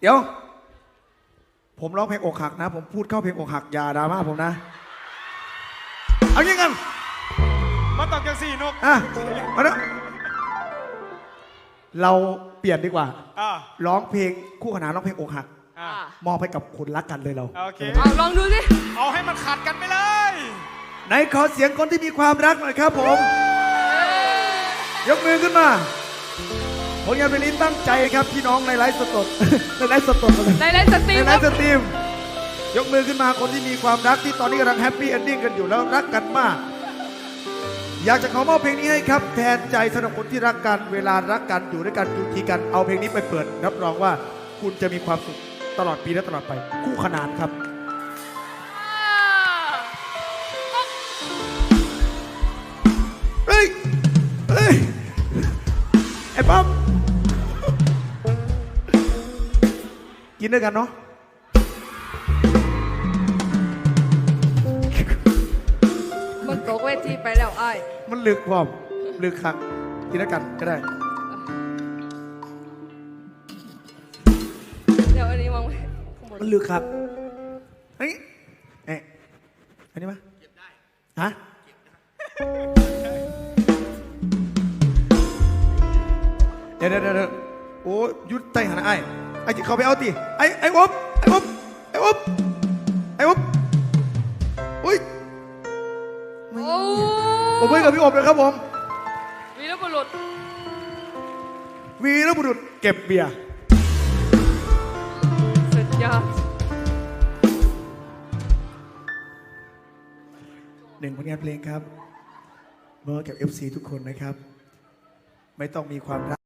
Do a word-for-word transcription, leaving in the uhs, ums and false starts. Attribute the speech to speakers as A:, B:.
A: เดี๋ยวผมร้องเพลงอกหักนะผมพูดเข้าเพลงอกหักอย่าดราม่าผมนะเอางี้กัน
B: มาตอบจังสี่นก
A: อ่ะมาเนาะเราเปลี่ยนดีกว่าร้องเพลงคู่ขนานร้องเพลงอกหักมอบให้กับคนรักกันเลยเรา
B: โอเค
C: เอาลองดูสิ
B: เอาให้มันขัดกันไปเลย
A: ไหนขอเสียงคนที่มีความรักหน่อยครับผมยกมือขึ้นมาผลงานเพลงนี้ตั้งใจครับพี่น้องในไลฟ์สดในไลฟ์สด
C: ในไลฟ์สตรีม
A: ในไลฟ์สตรีมยกมือขึ้นมาคนที่มีความรักที่ตอนนี้กำลังแฮปปี้เอนดิ้งกันอยู่แล้วรักกันมากอยากจะขอมอบเพลงนี้ให้ครับแทนใจสำหรับคนที่รักกันเวลารักกันอยู่ด้วยกันอยู่ทีกันเอาเพลงนี้ไปเปิดรับรองว่าคุณจะมีความสุขตลอดปีและตลอดไปคู่ขนานครับเฮ้ยเฮ้ยไอ้ป๊อปกินด้วยกันเนาะ
C: มันตกเวทีไปแล้วไอ้
A: มันลึกพร้อมลึกครับกินด้วยกันก็ได้
C: เดี๋ยวอันนี้มอง
A: มันลึกครับเฮ้ยเอ๊ะอันนี้มั้ยเก็บได้ฮะเดี๋ยวเดี๋ยวเดี๋ยวโอ้ยุดใจหันไอ้ไอ้ที่เขาไปเอาตีไอ้ไอ้อบไอ้อบไอ้อบไอ้อบอุ้ย
C: โอ้
A: ผมเพื่อนกับพี่อบเลยครับผม
C: วีรบุรุษ
A: วีรบุรุษเก็บเบียร์
C: สุดยอด
A: หนึ่งผลงานเพลงครับมอบกับ เอฟ ซี ทุกคนนะครับไม่ต้องมีความรัก